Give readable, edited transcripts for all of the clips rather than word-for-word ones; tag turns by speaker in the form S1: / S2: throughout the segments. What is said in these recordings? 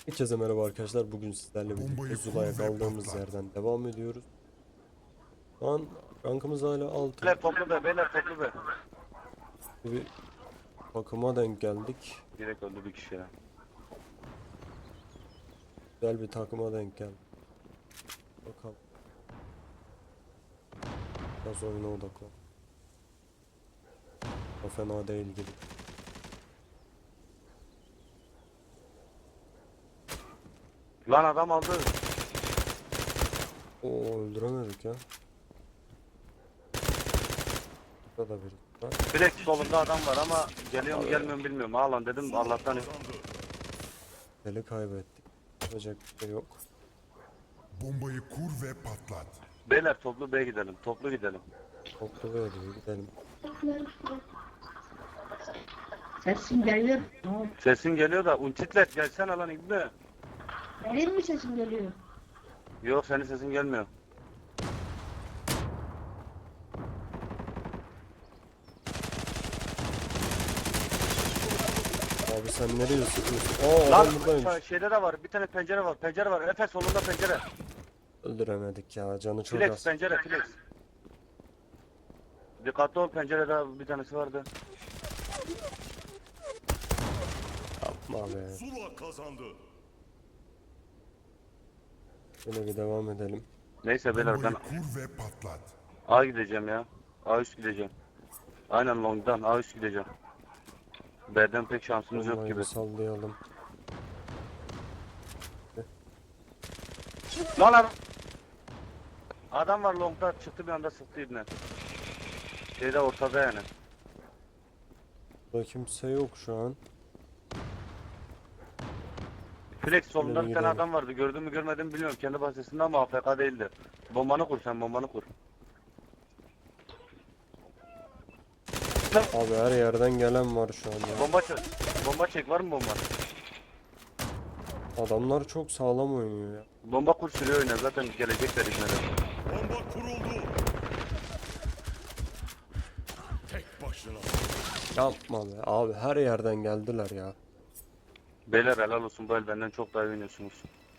S1: Herkese merhaba arkadaşlar. Bugün sizlerle birlikte Zula'ya kaldığımız yerden devam ediyoruz. Şu an rankımız hala 6.
S2: Beyler toplu be, beyler toplu be.
S1: Bir takıma denk geldik.
S2: Direkt öldü bir kişi ya.
S1: Güzel bir takıma denk geldik. Bakalım. Biraz oyuna odaklan. O fena değil gibi.
S2: Lan adam aldı.
S1: Oo, öldüremedik ya. Burada da biri var.
S2: Direkt solunda adam var ama geliyor mu gelmiyor mu bilmiyorum. Ha lan dedim Allah'tan.
S1: Eli kaybettik. Yapacak bir şey yok.
S3: Bombayı kur ve patlat.
S2: Beyler toplu B'ye gidelim. Toplu gidelim.
S1: Toplu veriyor. Gidelim.
S4: Sesim geliyor. Ne oldu?
S2: Sesin geliyor da untitlet gelsene lan İbni.
S4: Benim mi sesim geliyor?
S2: Yok senin sesin gelmiyor.
S1: Abi sen nereye sıkıyorsun? Oo,
S2: Lan
S1: adam buradaymış.
S2: şeyde de var bir tane pencere var. Pencere var. Efe solunda pencere.
S1: Öldüremedik ya. Canı çok
S2: Flex
S1: az.
S2: pencere flex. Dikkatli ol pencerede bir tanesi vardı.
S1: Yapma be.
S3: Zula kazandı.
S1: Şöyle bir devam edelim.
S2: Neyse beyler ben
S3: Bombayı kur ve patlat.
S2: A gideceğim ya. A üst gideceğim. Aynen long'dan A üst gideceğim. B'den pek şansımız yok
S1: Bombayı
S2: gibi.
S1: bir sallayalım.
S2: Lan lan. Adam var long'da çıktı bir anda sıktı ibne. Şeyde ortada yani.
S1: Burada kimse yok şu an.
S2: Flex solunda
S1: İleri
S2: bir tane
S1: gidelim.
S2: adam vardı. Gördün mü görmedin mi bilmiyorum. Kendi bahçesinde ama AFK değildi. Bombanı kur sen bombanı kur.
S1: Abi her yerden gelen var şu an ya.
S2: Bomba çek. Bomba çek var mı bomba?
S1: Adamlar çok sağlam oynuyor ya.
S2: Bomba kur sürüyor oynar zaten gelecekler ibneler.
S3: Bomba kuruldu. Tek başına.
S1: Yapma be. Abi her yerden geldiler ya.
S2: Beyler helal olsun bu el benden çok daha iyi oynuyorsunuz.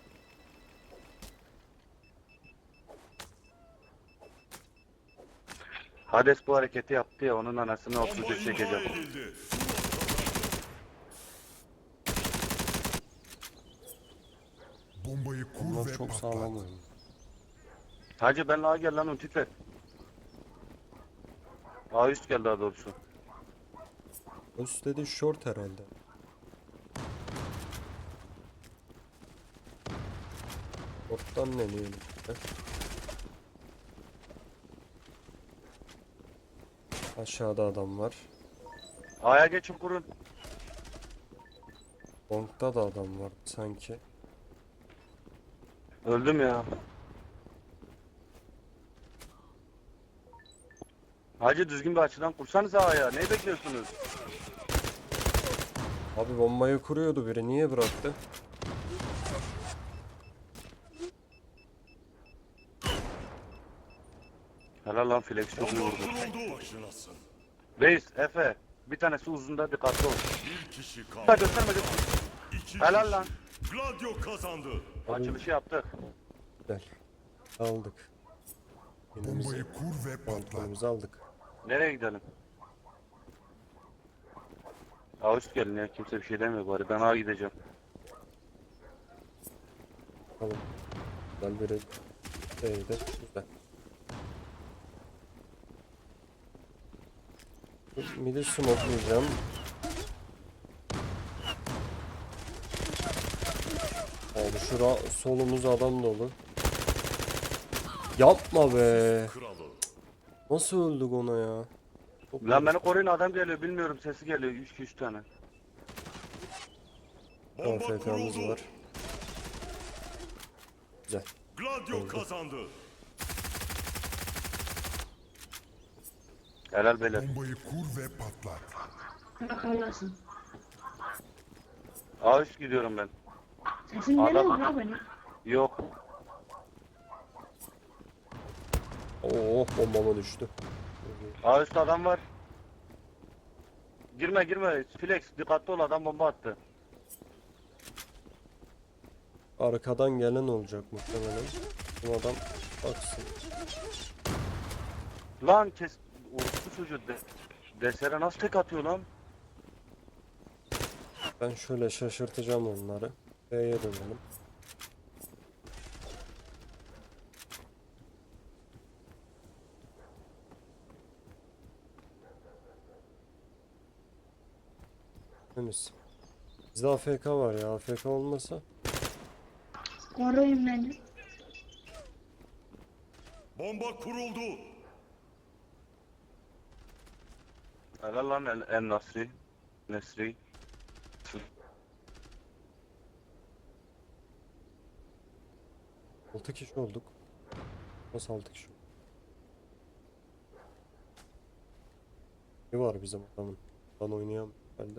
S2: Hades bu hareketi yaptı ya onun anasını 33 çekeceğim.
S3: edildi. Bombayı kur
S1: Onlar
S3: ve
S1: çok
S3: patlat.
S1: sağlam oynuyor.
S2: Hacı benle A gel lan untitlet. A üst gel daha doğrusu.
S1: Üst dedi short herhalde. Short'tan deneyelim. Aşağıda adam var.
S2: A'ya geçin kurun.
S1: Long'da da adam var sanki.
S2: Öldüm ya. Hacı düzgün bir açıdan kursanız A'ya. Ne bekliyorsunuz?
S1: Abi bombayı kuruyordu biri. Niye bıraktı?
S2: Helal lan Flex çok iyi
S3: Bomba
S2: vurdu.
S3: kuruldu. Başınasın.
S2: Base, Efe. Bir tanesi uzunda dikkatli ol.
S3: Bir kişi
S2: Ha
S3: kaldı.
S2: gösterme gösterme.
S3: İki
S2: Helal
S3: kişi.
S2: lan.
S3: Gladio kazandı.
S2: Açılışı yaptık.
S1: Güzel. Aldık. Yinemizi,
S3: Bombayı kur ve patlat.
S1: kontrolümüzü aldık.
S2: Nereye gidelim? A üst gelin ya kimse bir şey demiyor bari. Ben A gideceğim.
S1: Bakalım. Güzel biri değdi. Güzel. Midi smokelayacağım. Abi şura solumuz adam dolu. Yapma be.
S3: Kralı.
S1: Nasıl öldük ona ya? Çok
S2: Lan beni koruyun adam geliyor bilmiyorum sesi geliyor 3 tane.
S3: Bomba
S1: AFK'mız
S3: kuruldu.
S1: var. Güzel.
S3: Gladio kazandı.
S2: Helal beyler.
S3: Bombayı kur ve patlat.
S4: Bakarlasın.
S2: A üst gidiyorum ben.
S4: Sesim geliyor mu ya benim?
S2: Yok.
S1: Oh, bombama düştü.
S2: A üst adam var. Girme girme Flex dikkatli ol adam bomba attı.
S1: arkadan gelen olacak muhtemelen. Bu adam baksın.
S2: Lan kes. Orospu çocuğu desere nasıl tek atıyor lan?
S1: Ben şöyle şaşırtacağım onları. B'ye dönelim. Temiz. Bizde AFK var ya. AFK olmasa
S4: Koruyun beni.
S3: Bomba kuruldu.
S2: Helal lan en Nasri. Nesri.
S1: 6 kişi olduk. Nasıl 6 kişi? Ne var bizim adamın? Ben oynayamam bende.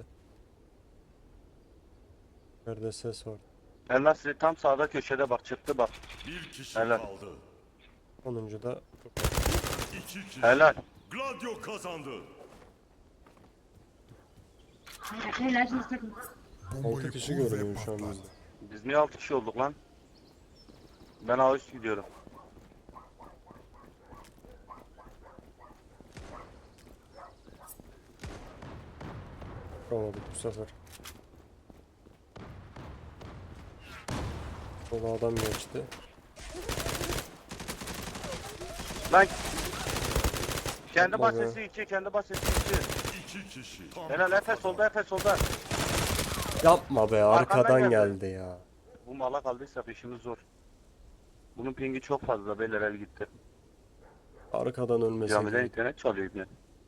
S1: Nerede ses var?
S2: En Nasri tam sağda köşede bak çıktı bak.
S3: Bir kişi
S2: Helal.
S3: kaldı.
S1: Sonuncu da
S3: 2 kişi.
S2: Helal.
S3: Gladio kazandı.
S4: Helal siz takın.
S1: 6 kişi görünüyor şu an bizde.
S2: Biz niye 6 kişi olduk lan? Ben A3 gidiyorum.
S1: Vuramadık bu sefer. Sola adam geçti.
S2: Lan kendi
S1: Yapma be.
S2: bahsesi 2, kendi bahsesi 2.
S3: 2 kişi. Tam
S2: Helal Efe solda, Efe solda.
S1: Yapma be,
S2: Arkandan
S1: arkadan
S2: geldi.
S1: geldi ya.
S2: Bu mala kaldıysak işimiz zor. Bunun pingi çok fazla, beyler el gitti.
S1: Arkadan
S2: Camiden
S1: ölmeseydi.
S2: internet çalıyor yine.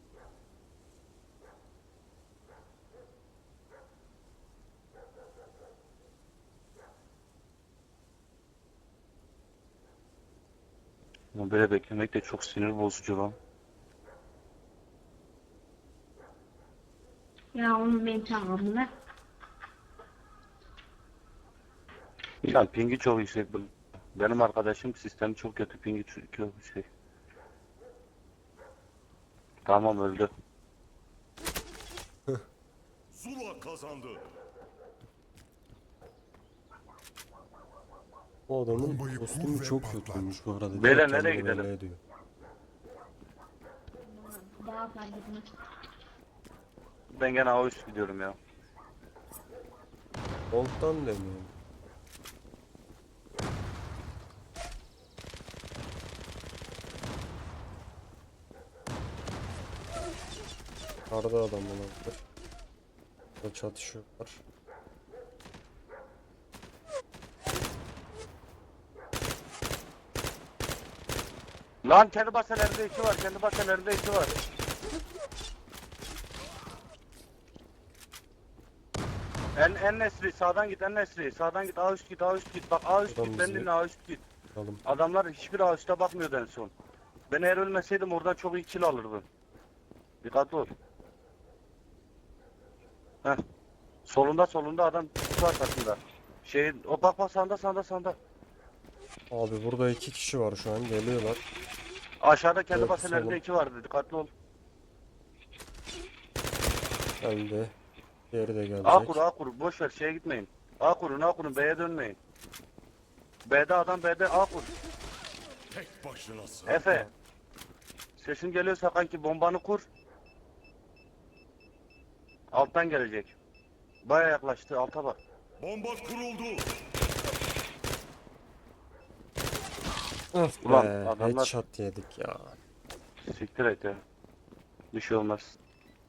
S2: Ama böyle beklemek de çok sinir bozucu lan.
S4: Ya onun benim tamamına.
S2: Ya pingi çok yüksek bu. Benim arkadaşım sistemi çok kötü, pingi çok yüksek. Tamam öldü.
S3: Zula kazandı.
S1: O adamın
S3: Bombayı
S1: kostümü
S3: kur ve
S1: çok
S3: patlat.
S1: kötüymüş bu arada.
S2: Beyler,
S1: Direkt
S2: nereye
S1: kendini
S2: gidelim?
S1: belli ediyor.
S4: Daha fark etmez.
S2: Ben gene A3 gidiyorum ya.
S1: Long'dan deniyorum. Arada adam olabilir. Burada çatışıyorlar.
S2: Lan kendi bahçelerinde 2 var, kendi bahçelerinde 2 var. En Nesri sağdan git, en Nesri sağdan git, A3 git, A3 git. Bak A3
S1: Adam
S2: git, ben
S1: bizi-
S2: dinle A3 git.
S1: Bakalım.
S2: Adamlar hiçbir A3'te bakmıyordu en son. Ben eğer ölmeseydim oradan çok iyi kill alırdım. Dikkatli ol. Heh. Solunda adam kutu arkasında. O bak sağında.
S1: Abi burada 2 kişi var şu an, geliyorlar.
S2: Aşağıda kendi
S1: Evet,
S2: bahçelerinde
S1: solun.
S2: 2 vardı, dikkatli ol.
S1: Geldi. Diğeri de gelecek.
S2: A kur, boş ver şeye gitmeyin. A kurun, B'ye dönmeyin. B'de adam, B'de A kur.
S3: Tek başınasın.
S2: Efe. Sesin geliyorsa kanki bombanı kur. Alttan gelecek. Baya yaklaştı, alta bak.
S3: Bomba kuruldu.
S1: Öf
S2: Ulan
S1: be,
S2: adamlar-
S1: headshot yedik ya.
S2: Siktir et ya. Bir şey olmaz.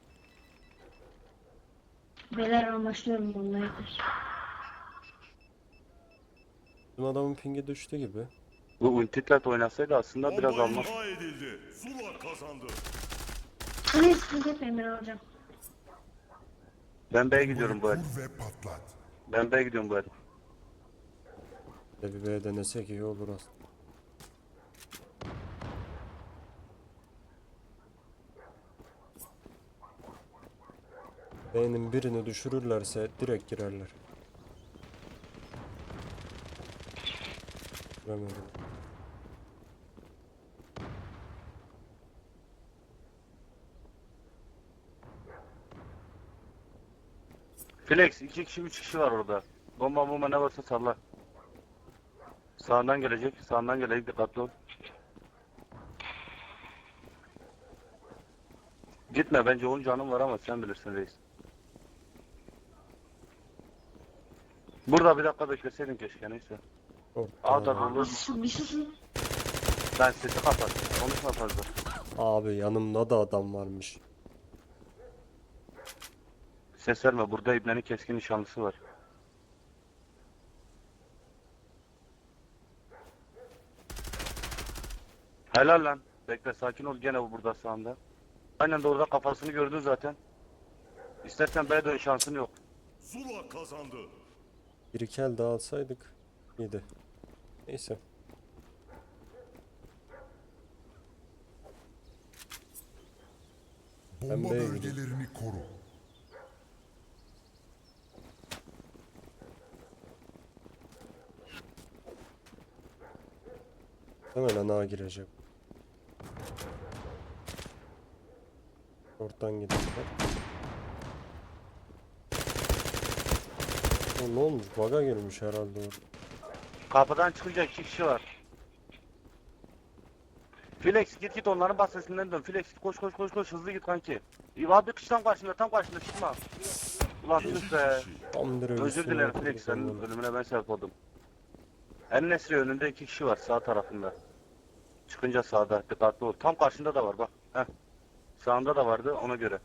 S4: Beyler amaçlıyorum vallahi.
S1: Bizim adamın pingi düştü gibi.
S2: Bu Untitlet oynasaydı aslında biraz
S3: Bomba
S2: almaz.
S3: imha edildi. Zula kazandı.
S4: Yine sıkıntı etmeyin ben alacağım.
S2: Ben B'ye gidiyorum bu el.
S3: Kur ve patlat.
S2: Ben B'ye gidiyorum bu el.
S1: Bir B denesek iyi olur aslında. B'nin birini düşürürlerse direkt girerler. Göremedim.
S2: Flex 2 kişi 3 kişi var orada. Bomba ne varsa salla. Sağından gelecek. Sağından gelecek. Dikkatli ol. Gitme, bence onun canın var ama sen bilirsin reis. Burada bir dakika bekleseydin keşke, neyse. Aa da
S1: Orta.
S4: Bir
S2: olur.
S4: susun, bir susun.
S2: Ben sesi kapat. Konuşma fazla.
S1: Abi yanımda da adam varmış.
S2: Ses verme. Burada İbne'nin keskin nişanlısı var. Helal lan. Bekle, sakin ol. Gene bu burada sağında. Aynen de orada kafasını gördün zaten. İstersen B'ye dön, şansın yok.
S3: Zula kazandı.
S1: Bir iki el daha alsaydık iyiydi. Neyse.
S3: Bomba
S1: B'ye gideyim.
S3: bölgelerini koru.
S1: Hemen A girecek. Oradan gidiyorlar. O ne olmuş? Bug'a girmiş herhalde o.
S2: Kapıdan çıkınca 2 kişi var. Flex git onların bahsesinden dön. Flex koş koş koş koş, hızlı git kanki. Abi kış tam karşında çıkma. Ulan tüh be.
S1: Tam direkt
S2: Özür
S1: üstüne
S2: dilerim
S1: atladı
S2: Flex, senin
S1: sandım.
S2: ölümüne ben sebep oldum. En Nesri önünde 2 kişi var sağ tarafında. Çıkınca sağda, dikkatli ol. Tam karşında da var bak. Heh. Sağında da vardı, ona göre.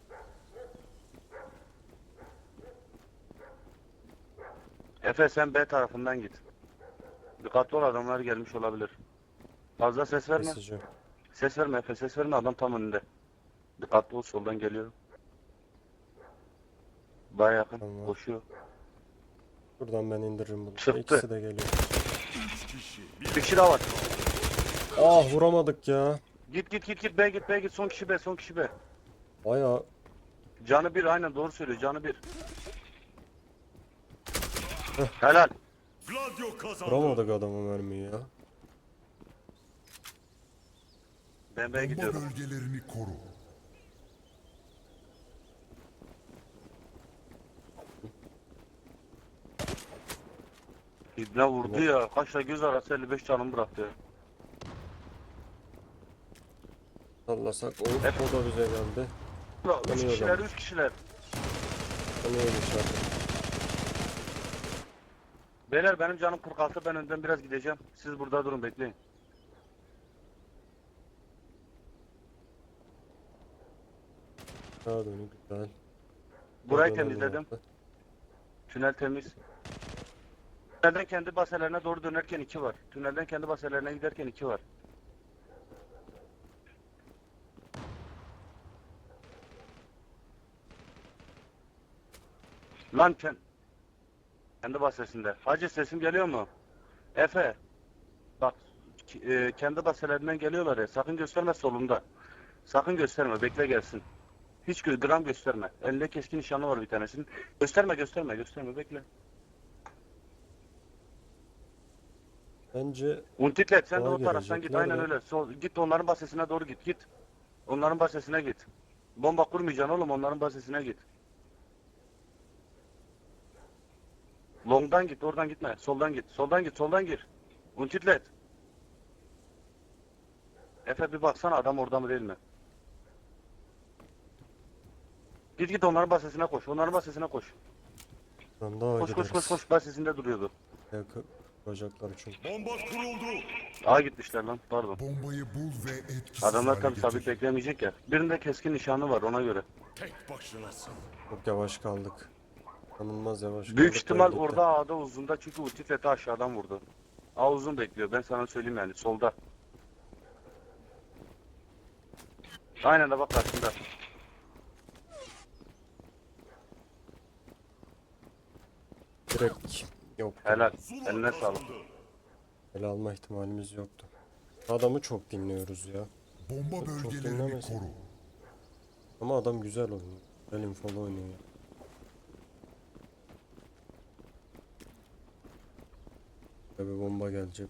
S2: Efe sen B tarafından git. Dikkatli ol, adamlar gelmiş olabilir. Fazla ses verme.
S1: Mesajı.
S2: Ses verme Efe, ses verme, adam tam önünde. Dikkatli ol, soldan geliyor. Baya yakın,
S1: Tamam.
S2: koşuyor.
S1: Buradan ben indiririm bunu.
S2: Çıktı.
S1: İkisi de geliyor.
S3: 3 kişi.
S2: Bir kişi daha var.
S1: Ah vuramadık ya.
S2: Git B git, son kişi B.
S1: Bayağı
S2: Canı bir, aynen doğru söylüyor, canı bir. Helal.
S3: Gladio kazandı.
S1: vuramadık adama mermiyi ya.
S2: Ben B'ye
S3: Bomba
S2: gidiyorum.
S3: bölgelerini koru.
S2: İbne vurdu ya, kaçla göz arası 55 canımı bıraktı.
S1: Sallasak o da bize geldi.
S2: 3
S1: Tanıyorum.
S2: kişiler, 3 kişiler.
S1: Tanıyormuş abi.
S2: Beyler benim canım 46, ben önden biraz gideceğim. Siz burada durun, bekleyin.
S1: Sağa dönük güzel.
S2: Burayı
S1: Sağa dönelim
S2: temizledim.
S1: abi.
S2: Tünel temiz. Tünelden kendi baselerine doğru dönerken 2 var. Tünelden kendi baselerine giderken 2 var. Lan kendi basesinde. Hacı sesim geliyor mu? Efe. Bak kendi baselerinden geliyorlar ya. Sakın gösterme solunda. Sakın gösterme. Bekle gelsin. Hiç gram gösterme. Elinde keskin nişanı var bir tanesinin. Gösterme. Bekle.
S1: Bence
S2: Untitlet sen de
S1: Sağa
S2: o taraftan git.
S1: gelecekler
S2: Aynen
S1: ve-
S2: öyle. Git onların basesine doğru git. Onların basesine git. Bomba kurmayacaksın oğlum, onların basesine git. Long'dan git, oradan gitme. Soldan gir. Untitlet. Efe bir baksana, adam orada mı değil mi? Git onların basesine koş.
S1: ben daha gideriz.
S2: Koş. Basesinde duruyordu.
S1: Yakın bacaklar çünkü.
S3: Bomba kuruldu.
S2: Aa gitmişler lan, pardon.
S3: Bombayı bul ve etkisiz
S2: Adamlar
S3: hale
S2: tabi sabit
S3: getir.
S2: bekleyemeyecek ya. Birinde keskin nişanı var, ona göre.
S3: Tek başınasın.
S1: Çok yavaş kaldık. Tanınmaz yavaş kaldık.
S2: Büyük
S1: ve
S2: ihtimal
S1: gitti.
S2: orada A'da uzunda, çünkü Untitlet'i aşağıdan vurdu. A uzun bekliyor, ben sana söyleyeyim yani, solda. Aynen de bak karşında.
S1: Direkt yok.
S2: Helal.
S3: Zula
S2: Eline sağlık.
S3: kazandı.
S1: Ele alma ihtimalimiz yoktu. Adamı çok dinliyoruz ya.
S3: Bomba
S1: Çok
S3: bölgelerini
S1: dinlemesin.
S3: koru.
S1: Ama adam güzel oynuyor. Güzel infolu oynuyor. Tabi bomba gelecek.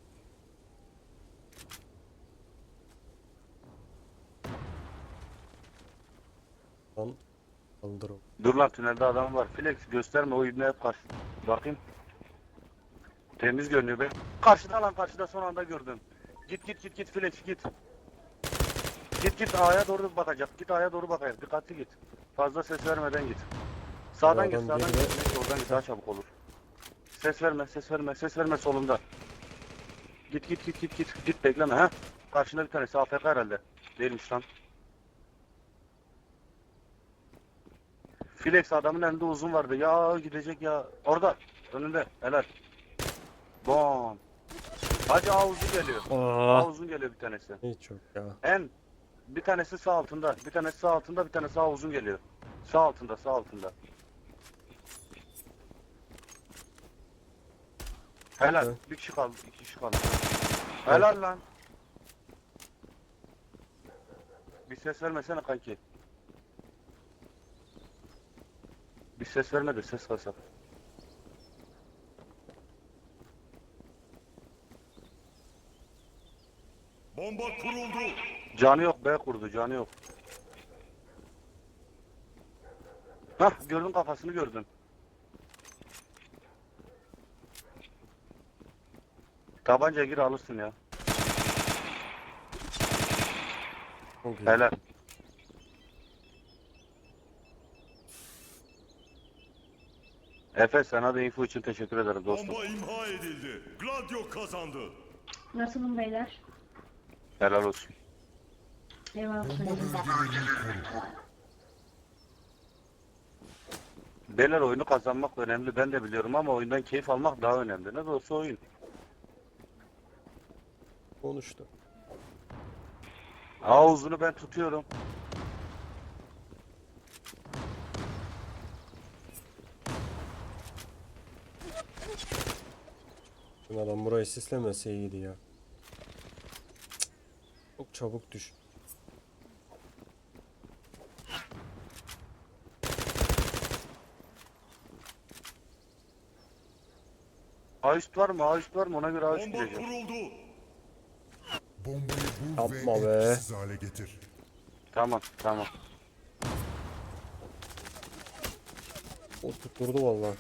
S1: Lan kaldır o.
S2: Dur lan, tünelde adam var. Flex gösterme, o ibne hep karşı. Bakayım. Temiz görünüyor be. Karşıda lan, karşıda son anda gördüm. Git Flex git. Git A'ya doğru bakacak. Git A'ya doğru bakacak. Dikkatli git. Fazla ses vermeden git. Sağdan git,
S1: Adam
S2: sağdan
S1: geride.
S2: git. Oradan git, daha çabuk olur. Ses verme solunda. Git bekleme ha. Karşında bir tanesi AFK herhalde. Değilmiş lan. Flex adamın elinde uzun vardı. Ya gidecek ya. Orada. Önünde. Helal. Bom. Hacı A uzun geliyor. A uzun geliyor bir tanesi.
S1: Hiç yok ya.
S2: Bir tanesi sağ altında. Bir tanesi sağ altında. Bir tanesi sağ uzun geliyor. Sağ altında. Helal.
S1: Evet.
S2: Bir kişi kaldı. İki kişi kaldı. Helal lan. Bir ses vermesene kanki. Bir ses verme de ses kalsak.
S3: Bomba kuruldu.
S2: Canı yok, B kurdu, canı yok. Hah, gördüm, kafasını gördüm. Tabanca gir alırsın ya.
S1: Çok iyi.
S2: Helal. Efe, sana da info için teşekkür ederim dostum.
S3: Bomba imha edildi. Gladio kazandı.
S4: Nasılım beyler?
S2: Helal olsun.
S4: Eyvallah.
S3: Bomba
S4: söyleyeyim.
S3: bölgelerini koru.
S2: Beyler, oyunu kazanmak önemli, ben de biliyorum ama oyundan keyif almak daha önemli. Ne de olsa oyun.
S1: Konuştu.
S2: Ağzını ben tutuyorum.
S1: Şimdi adam burayı sislemese iyiydi ya. Cık. Çok çabuk düş.
S2: A üst var mı? A üst var mı? Ona göre A üst
S3: Bomba
S2: gireceğim.
S3: kuruldu. Bombayı bul
S1: Yapma
S3: ve
S1: be.
S3: etkisiz hale getir.
S2: Tamam.
S1: O tutturdu vallahi.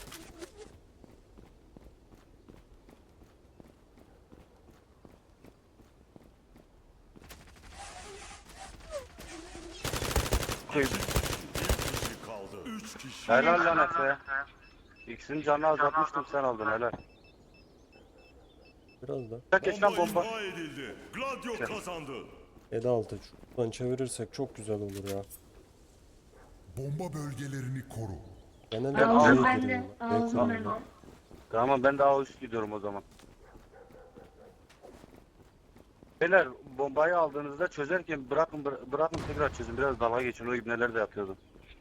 S3: Bir kişi kaldı. 3 kişi.
S2: Helal lan Efe. İkisinin canını azaltmıştım, sen aldın, helal.
S1: Biraz da.
S2: Geç lan bomba.
S3: imha edildi. Gladio kazandı.
S1: 7-6. Şuradan çevirirsek çok güzel olur ya.
S3: Bomba bölgelerini koru.
S1: Genelde
S4: Ağzım
S1: C'ye
S4: bende.
S1: giriyor.
S4: Ağzım bende.
S2: Tamam, ben daha üst gidiyorum o zaman. Beyler, bombayı aldığınızda çözerken bırakın tekrar çözün. Biraz dalga geçin, o ibneler de yapıyordu.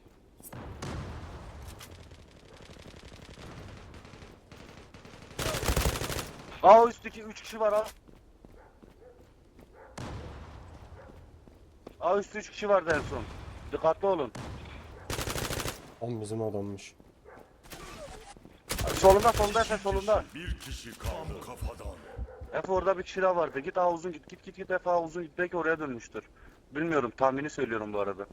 S2: Üstteki 3 kişi var ha. Üstte 3 kişi vardı en son. Dikkatli olun.
S1: Tam bizim adammış.
S2: Solunda Efe, solunda.
S3: Bir kişi kaldı. Kafadan.
S2: Efe, orada bir kişi daha vardı. Git A uzun git Efe, A uzun git. Belki oraya dönmüştür. Bilmiyorum, tahmini söylüyorum bu arada.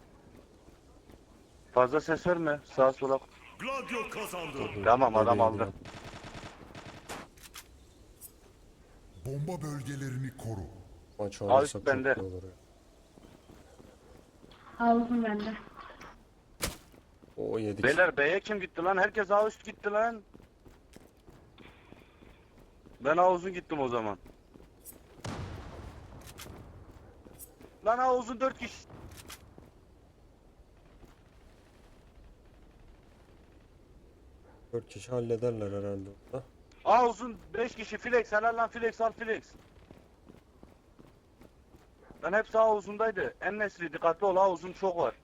S2: Fazla ses verme, sağa sola.
S3: Gladio kazandı.
S2: Tamam, adam
S1: Nereye
S2: aldı.
S1: gidiyor?
S3: Bomba bölgelerini koru.
S1: Maç
S2: Abi
S1: alırsak çok
S2: bende.
S1: iyi olur ya.
S4: Ağzım bende.
S1: O yedik.
S2: Beyler, B'ye kim gitti lan? Herkes A üst gitti lan. Ben A uzun gittim o zaman. Lan A uzun 4 kişi.
S1: Dört kişi hallederler herhalde orada.
S2: A uzun 5 kişi. Flex, helal lan, Flex al Flex. Lan hepsi A uzundaydı. En-Nesyri dikkatli ol, A uzun çok var.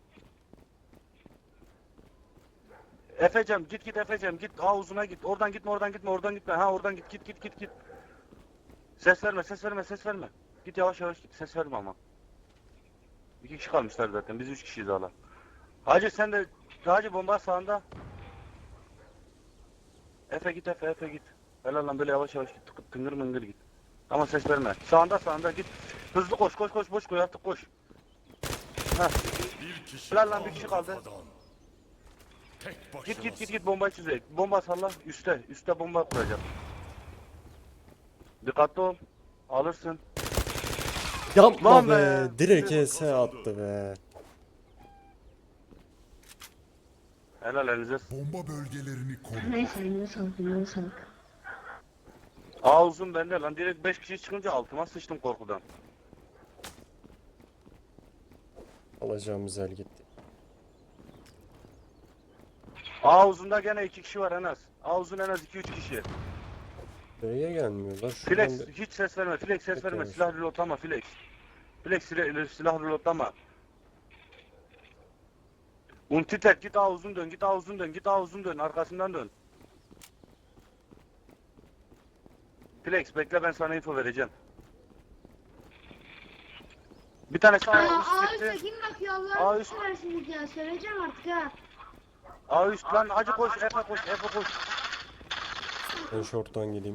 S2: Efecem git Efecem git, A uzuna git. Oradan gitme. Ha, oradan git. Ses verme. Git yavaş git, ses verme ama. 2 kişi kalmışlar zaten, biz 3 kişiyiz hala. Hacı sen de, Hacı bomba sağında. Efe git. Helal lan, böyle yavaş git, tıngır mıngır git. Ama ses verme. Sağında git. Hızlı koş, boş koy artık, koş. Heh.
S3: Bir kişi
S2: Helal lan, bir kişi kaldı.
S3: kafadan. Tek başına.
S2: Git bombayı çözek. Bomba salla üste bomba kuracak. Dikkatli ol. Alırsın.
S1: Yapma
S2: Lan
S1: be.
S2: be.
S1: Direkt HS attı be.
S2: Helal elinize.
S5: Bomba bölgelerini koru.
S4: Neyse elinize sağlık, elinize sağlık.
S2: Aa uzun bende lan. Direkt 5 kişi çıkınca altıma sıçtım korkudan.
S1: Alacağımız el gitti.
S2: Aa uzunda gene 2 kişi var en az. Aa uzun en az 2-3 kişi.
S1: Nereye gelmiyorlar? Şuradan
S2: Flex
S1: bir...
S2: hiç ses verme. Flex ses verme.
S1: Bekliyoruz.
S2: Silah reloadlama Flex. Flex silah reloadlama. Untitek git A uzun dön. Git A uzun dön. Git A uzun dön. Arkasından dön. Flex bekle ben sana info vereceğim. Bir tane sağ
S6: Aa,
S2: üst
S6: üstte
S2: gitti.
S6: kim bakıyor
S2: Aa,
S6: Allah'ını
S2: üst.
S6: seversiniz ya. Söyleyeceğim artık ha.
S2: A üst lan hacı koş. Efe koş. Efe koş.
S1: Ben short'tan gideyim.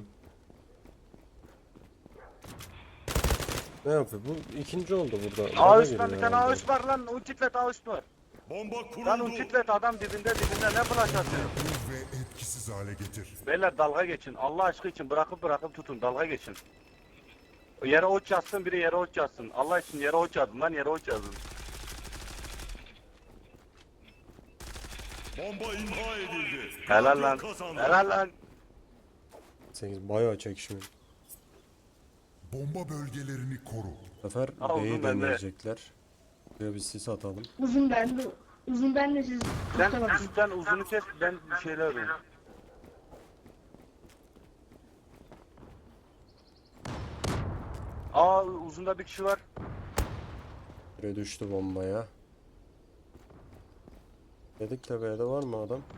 S1: Ne yapıyor? Bu ikinci oldu burada.
S2: A
S1: Bana
S2: üst lan bir
S1: geliyor
S2: tane A
S1: herhalde.
S2: üst var lan. Untitlet A üst var.
S3: Bomba
S2: Lan
S3: kuruldu.
S2: untitlet adam dibinde ne flash atıyor.
S5: Vur ve etkisiz hale getir.
S2: Beyler dalga geçin. Allah aşkı için bırakıp tutun. Dalga geçin. Yere oç yazsın biri yere oç yazsın. Allah için yere oç yazın lan yere oç yazın.
S3: Bomba imha edildi.
S2: Helal lan.
S3: Kazandı.
S2: Helal lan.
S1: 8 bayağı çekişmeli.
S5: Bomba bölgelerini koru.
S1: Bu sefer
S2: Al
S1: B'yi
S2: oğlum ben de.
S1: deneyecekler. Buraya bir sis atalım.
S4: Uzun bende. Uzun bende siz.
S2: Sen
S4: Usta bakın.
S2: üstten uzunu kes ben bir şeyler arıyorum. Aa uzunda bir kişi var.
S1: Buraya düştü bombaya. Dedik de B'de var mı adam?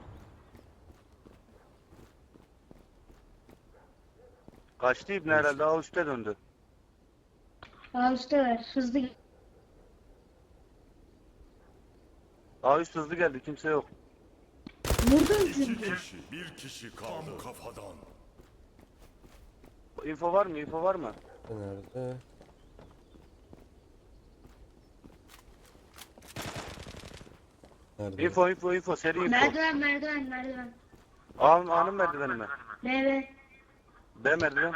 S2: Kaçtı ibne herhalde daha üstte döndü.
S4: Aa üsteler. Hızlı git.
S2: Daha üst hızlı geldi kimse yok.
S4: Vurdum
S3: İki
S4: çünkü.
S3: kişi, bir kişi kaldı. Tam kafadan.
S2: Info var mı? Info var mı?
S1: Nerede? Nerede?
S2: Info seri info.
S6: Merdiven.
S2: Anın merdiveni mi?
S6: Evet.
S2: B merdiven.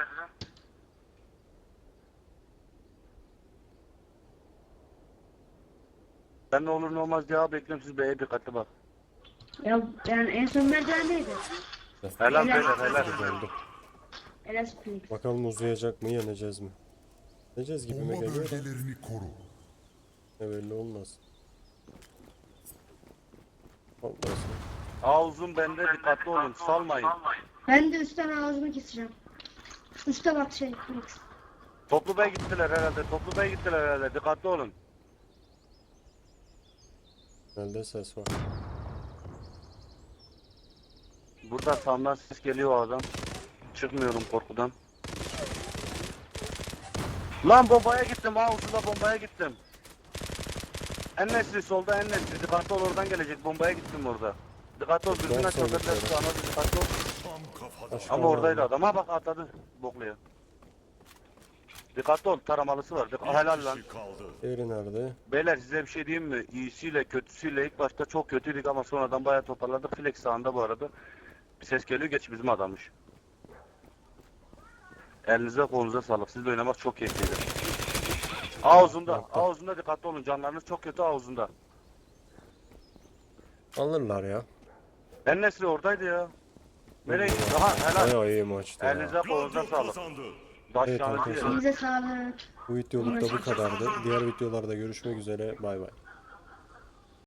S2: Ben ne olur ne olmaz diye bekliyorum siz B'ye dikkatli bak.
S4: Ya yani en son merdivendeydi.
S2: Helal
S4: Helal.
S2: beyler helal.
S1: Geldi.
S4: Elas Phoenix.
S1: Bakalım uzayacak mı yeneceğiz mi? Yeneceğiz gibime
S5: Bomba
S1: geliyor da
S5: bölgelerini koru.
S1: ne belli olmaz. Olmaz.
S2: A uzun bende dikkatli olun salmayın.
S6: Ben de üstten ağzımı keseceğim. Üste bak şey. Felix.
S2: Toplu B'ye gittiler herhalde dikkatli olun.
S1: Nerede ses var?
S2: Burada sağdan ses geliyor o adam. Çıkmıyorum korkudan. Lan bombaya gittim ha uzunda bombaya gittim. En solda en nesli dikkatli ol oradan gelecek bombaya gittim orada. Dikkatli ol düzgün aç
S1: solda
S2: orada
S1: gidiyorum.
S2: dikkatli ol.
S3: Tam kafadan.
S1: Aşkım
S2: Ama oradaydı
S1: orada.
S2: adam ha bak atladı bokluya. Dikkatli ol taramalısı var helal
S3: Bir
S2: lan.
S3: kişi kaldı.
S1: Diğeri nerede?
S2: Beyler size bir şey diyeyim mi? İyisiyle kötüsüyle ilk başta çok kötüydük ama sonradan bayağı toparladık. Flex sağında bu arada. Bir ses geliyor geç bizim adammış. Elinize kolunuza sağlık. Sizle oynamak çok keyifliydi. Ağzında dikkatli olun. Canlarınız çok kötü ağzında.
S1: Alırlar ya.
S2: En Nesri oradaydı ya. Nereye gitti? Aha helal.
S1: Bayağı iyi maçtı ya.
S2: Elinize kolunuza
S3: Gladio
S2: sağlık.
S3: kazandı.
S2: Başlarınızı
S1: arkadaşlar.
S2: yerim.
S6: Elinize sağlık.
S1: Bu videoluk da bu kadardı. Diğer videolarda görüşmek üzere. Bay bay.